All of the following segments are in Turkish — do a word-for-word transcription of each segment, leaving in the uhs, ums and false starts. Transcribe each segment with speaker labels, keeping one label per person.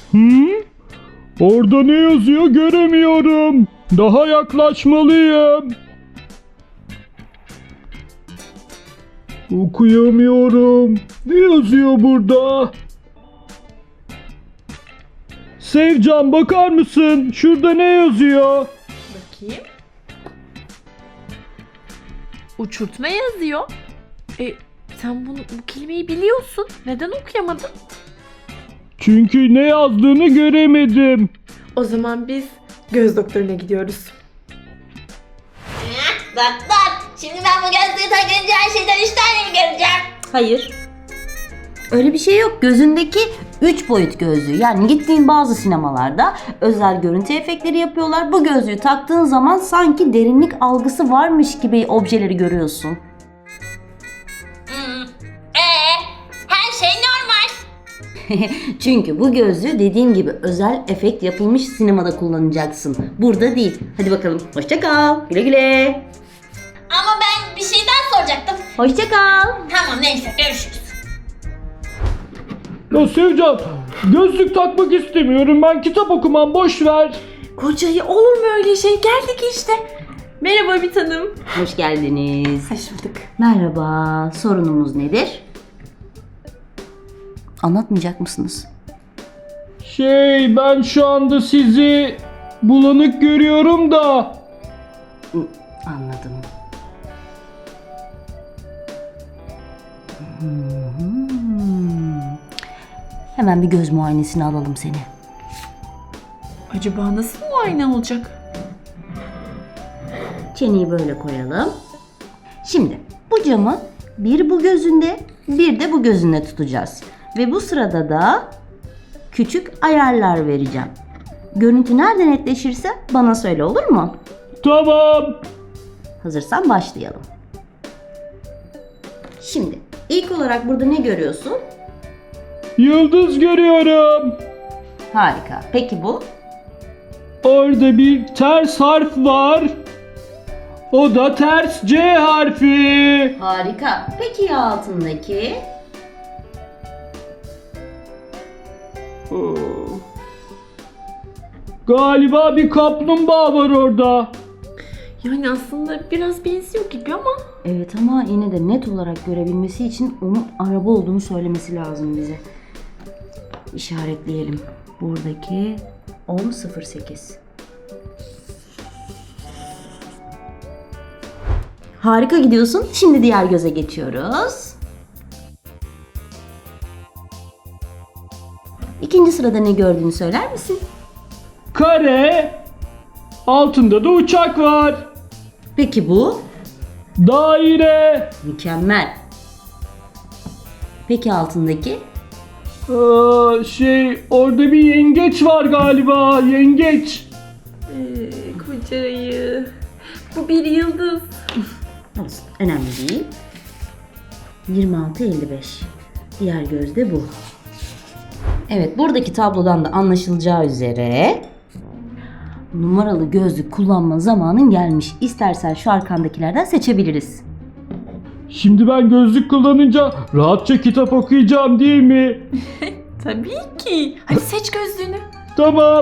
Speaker 1: Hmm? Orada ne yazıyor göremiyorum. Daha yaklaşmalıyım. Okuyamıyorum. Ne yazıyor burada? Sevcan bakar mısın? Şurada ne yazıyor?
Speaker 2: Bakayım. Uçurtma yazıyor. E, sen bunu, bu kelimeyi biliyorsun. Neden okuyamadın?
Speaker 1: Çünkü ne yazdığını göremedim.
Speaker 2: O zaman biz göz doktoruna gidiyoruz.
Speaker 3: Doktor, şimdi ben bu gözlüğü takınca her şeyden üç tane mi göreceğim?
Speaker 4: Hayır. Öyle bir şey yok. Gözündeki üç boyut gözlüğü. Yani gittiğin bazı sinemalarda özel görüntü efektleri yapıyorlar. Bu gözlüğü taktığın zaman sanki derinlik algısı varmış gibi objeleri görüyorsun.
Speaker 3: Hmm. Ee, her şey normal.
Speaker 4: Çünkü bu gözlüğü dediğim gibi özel efekt yapılmış sinemada kullanacaksın. Burada değil. Hadi bakalım. Hoşça kal. Güle güle.
Speaker 3: Ama ben bir şey daha soracaktım.
Speaker 4: Hoşça kal.
Speaker 3: Tamam neyse görüşürüz.
Speaker 1: Ya Sevcan, gözlük takmak istemiyorum. Ben kitap okumam, boş ver.
Speaker 2: Kocayı olur mu öyle şey? Geldik işte. Merhaba bir tanım.
Speaker 4: Hoş geldiniz.
Speaker 2: Hoş bulduk.
Speaker 4: Merhaba. Sorunumuz nedir? Anlatmayacak mısınız?
Speaker 1: Şey, ben şu anda sizi bulanık görüyorum da.
Speaker 4: Anladım. Hmm. Hemen bir göz muayenesine alalım seni.
Speaker 2: Acaba nasıl muayene olacak?
Speaker 4: Çeneyi böyle koyalım. Şimdi bu camı bir bu gözünde, bir de bu gözünde tutacağız. Ve bu sırada da küçük ayarlar vereceğim. Görüntü nerede netleşirse bana söyle, olur mu?
Speaker 1: Tamam.
Speaker 4: Hazırsan başlayalım. Şimdi ilk olarak burada ne görüyorsun?
Speaker 1: Yıldız görüyorum.
Speaker 4: Harika. Peki bu?
Speaker 1: Orada bir ters harf var. O da ters C harfi.
Speaker 4: Harika. Peki ya altındaki?
Speaker 1: Oo. Galiba bir kaplumbağa var orada.
Speaker 2: Yani aslında biraz benziyor gibi ama.
Speaker 4: Evet ama yine de net olarak görebilmesi için onun araba olduğunu söylemesi lazım bize. İşaretleyelim. Buradaki on sıfır sekiz. Harika gidiyorsun. Şimdi diğer göze geçiyoruz. İkinci sırada ne gördüğünü söyler misin?
Speaker 1: Kare. Altında da uçak var.
Speaker 4: Peki bu?
Speaker 1: Daire.
Speaker 4: Mükemmel. Peki altındaki?
Speaker 1: Aa, şey, orada bir yengeç var galiba. Yengeç.
Speaker 2: Ee, kocayı. Bu bir yıldız.
Speaker 4: Olsun. Önemli değil. yirmi altı elli beş. Diğer gözde bu. Evet, buradaki tablodan da anlaşılacağı üzere numaralı gözlük kullanma zamanın gelmiş. İstersen şu arkandakilerden seçebiliriz.
Speaker 1: Şimdi ben gözlük kullanınca rahatça kitap okuyacağım değil mi?
Speaker 2: Tabii ki. Hadi seç gözlüğünü.
Speaker 1: Tamam.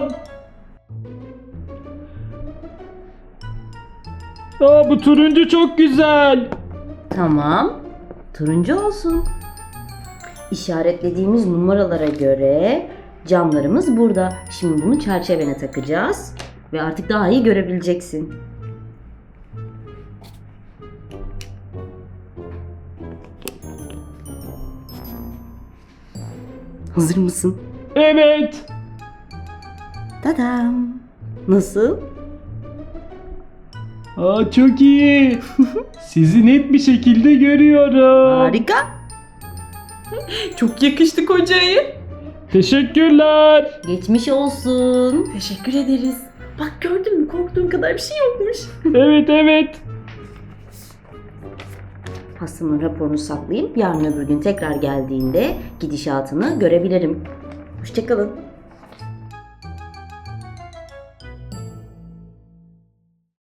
Speaker 1: Aa, bu turuncu çok güzel.
Speaker 4: Tamam. Turuncu olsun. İşaretlediğimiz numaralara göre camlarımız burada. Şimdi bunu çerçevene takacağız. Ve artık daha iyi görebileceksin. Hazır mısın?
Speaker 1: Evet.
Speaker 4: Tadam. Nasıl?
Speaker 1: Aa, çok iyi. Sizi net bir şekilde görüyorum.
Speaker 4: Harika.
Speaker 2: Çok yakıştı kocayı.
Speaker 1: Teşekkürler.
Speaker 4: Geçmiş olsun.
Speaker 2: Teşekkür ederiz. Bak gördün mü, korktuğun kadar bir şey yokmuş.
Speaker 1: Evet evet.
Speaker 4: Hastanın raporunu saklayıp yarın öbür gün tekrar geldiğinde gidişatını görebilirim. Hoşçakalın.